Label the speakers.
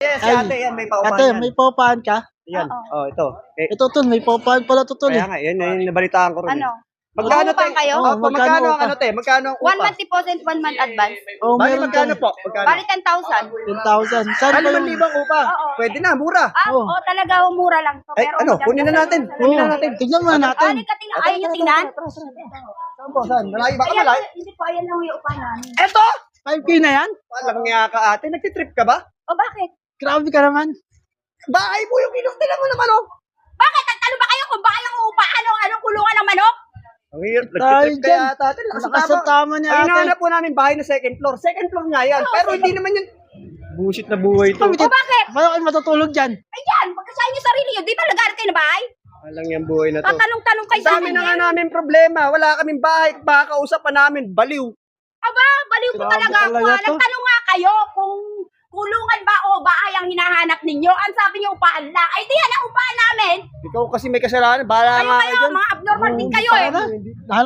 Speaker 1: Yes, si
Speaker 2: Ay,
Speaker 1: ate, yan, may paupahan
Speaker 2: Ate,
Speaker 1: yan.
Speaker 2: may paupahan ka?
Speaker 1: Yan,
Speaker 3: Oo.
Speaker 1: ito.
Speaker 2: Ito, tol, may paupahan pala to, tol.
Speaker 1: Kaya nga, yan, yung nabalitaan ko rin.
Speaker 3: Ano?
Speaker 1: Magkano
Speaker 3: Uupahan kayo?
Speaker 2: Oo,
Speaker 1: Opo,
Speaker 2: magkano
Speaker 1: magkano ang
Speaker 2: upa?
Speaker 1: ano, te? Magkano ang
Speaker 3: 1
Speaker 1: upa?
Speaker 3: month deposit, 1 month advance.
Speaker 2: Oh,
Speaker 1: Bali,
Speaker 2: meron
Speaker 1: magkano
Speaker 2: dyan.
Speaker 1: po? Magkano?
Speaker 3: Bali 10,000.
Speaker 2: 10,000. Saan ba
Speaker 1: 5,000
Speaker 2: yung...
Speaker 1: upa.
Speaker 3: Oo.
Speaker 1: Pwede na, mura.
Speaker 2: Oh.
Speaker 3: Talaga, mura lang to.
Speaker 1: Ay,
Speaker 3: Pero
Speaker 1: ano, kunin na natin. Kunin na natin.
Speaker 2: Tignan mo natin.
Speaker 3: Halika, tingnan. Ayaw nyo tingnan?
Speaker 1: Saan po? Saan? Malayo ba ka?
Speaker 3: Ayan,
Speaker 1: Malayo?
Speaker 3: hindi po, ayan lang yung upahan namin.
Speaker 1: Eto!
Speaker 2: 5K na yan?
Speaker 1: Walang nga ka, ate. Nagtitrip ka ba?
Speaker 3: O bakit?
Speaker 2: Grabe ka naman.
Speaker 1: Bahay mo yung inustilan mo naman, oh.
Speaker 3: Bakit? Nagtalo ba kayo kung bakit ang upahan? Anong kulungan ng manok?
Speaker 1: Ang hirap.
Speaker 2: Tayo
Speaker 1: Nagtitrip
Speaker 2: dyan.
Speaker 1: kaya ate.
Speaker 2: Lakas sa tama niya,
Speaker 1: Ay,
Speaker 2: ate.
Speaker 1: hinahanap po namin bahay na second floor. Second floor nga yan. Pero hindi naman yun. Bullshit na buhay to.
Speaker 3: O bakit?
Speaker 2: Paano kayo matutulog dyan?
Speaker 3: Ayan, pagkasahin nyo sarili nyo. Di ba nag-aaral kayo na bahay?
Speaker 1: Walang yung buhay na to.
Speaker 3: Tatanong-tanong kayo
Speaker 1: Sa
Speaker 3: sa
Speaker 1: amin
Speaker 3: amin.
Speaker 1: na nga namin problema. Wala kaming bahay. Baka kausapan namin. Baliw.
Speaker 3: Aba, baliw po
Speaker 2: Grabe
Speaker 3: talaga ako.
Speaker 2: talaga to.
Speaker 3: Nagtanong nga kayo kung kulungan ba o bahay ang hinahanap ninyo. Ang sabi niyo upahan lang. Ay, di yan ang upahan namin.
Speaker 1: Ikaw kasi may kasalanan. Bahala
Speaker 3: Kayo
Speaker 1: nga
Speaker 3: kayo,
Speaker 1: kayo dyan.
Speaker 3: mga abnormal din kayo eh.
Speaker 2: Para na.